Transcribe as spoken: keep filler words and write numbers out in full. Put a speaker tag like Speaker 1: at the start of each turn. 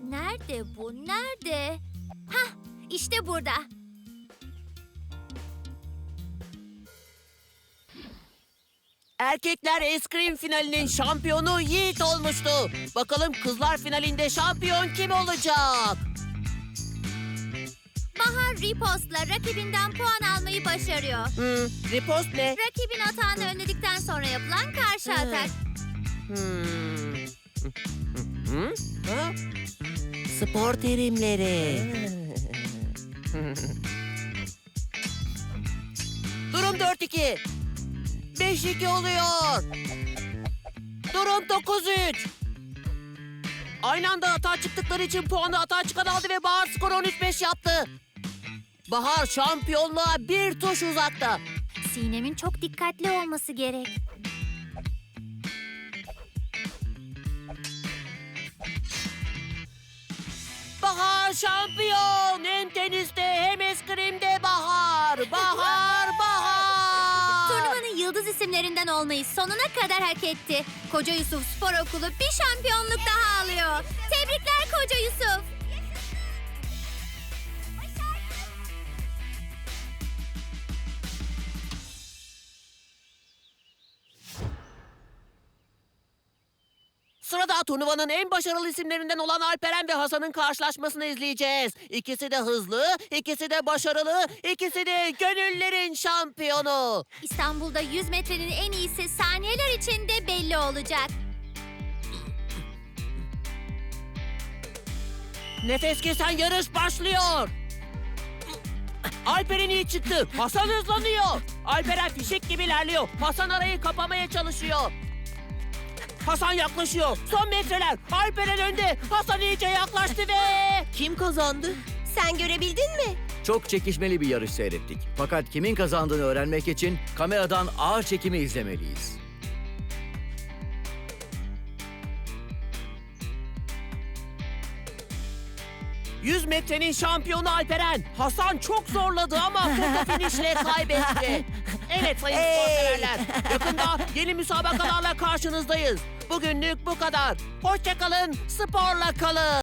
Speaker 1: Nerede bu? Nerede? Hah, işte burada.
Speaker 2: Erkekler eskrim finalinin şampiyonu Yiğit olmuştu. Bakalım kızlar finalinde şampiyon kim olacak?
Speaker 1: Bahar ripostla rakibinden puan almayı başarıyor.
Speaker 2: Hmm, ripost ne?
Speaker 1: Rakibin atağını önledikten sonra yapılan karşı
Speaker 2: Hmm.
Speaker 1: atak.
Speaker 2: Hmm. Hı? Ha? Spor terimleri. Durum dört iki. beş iki oluyor. Durum dokuz üç. Aynı anda hata çıktıkları için puanı hata çıkan aldı ve Bahar skoru on üç beş yaptı. Bahar şampiyonluğa bir tuş uzakta.
Speaker 1: Sinem'in çok dikkatli olması gerek.
Speaker 2: Bahar şampiyon. Hem teniste hem eskrimde Bahar. Bahar, Bahar.
Speaker 1: Turnuvanın yıldız isimlerinden olmayı sonuna kadar hak etti. Koca Yusuf Spor Okulu bir şampiyonluk daha alıyor. Tebrikler Koca Yusuf.
Speaker 2: Sırada turnuvanın en başarılı isimlerinden olan Alperen ve Hasan'ın karşılaşmasını izleyeceğiz. İkisi de hızlı, ikisi de başarılı, ikisi de gönüllerin şampiyonu.
Speaker 1: İstanbul'da yüz metrenin en iyisi saniyeler içinde belli olacak.
Speaker 2: Nefes kesen yarış başlıyor. Alperen iyi çıktı. Hasan hızlanıyor. Alperen fişek gibi ilerliyor. Hasan arayı kapamaya çalışıyor. Hasan yaklaşıyor. Son metreler. Alperen önde. Hasan iyice yaklaştı ve... Kim kazandı?
Speaker 1: Sen görebildin mi?
Speaker 3: Çok çekişmeli bir yarış seyrettik. Fakat kimin kazandığını öğrenmek için kameradan ağır çekimi izlemeliyiz.
Speaker 2: yüz metrenin şampiyonu Alperen. Hasan çok zorladı ama foto finişle kaybetti. Evet sayın spor severler. Yakında yeni müsabakalarla karşınızdayız. Bugünlük bu kadar. Hoşça kalın, sporla kalın.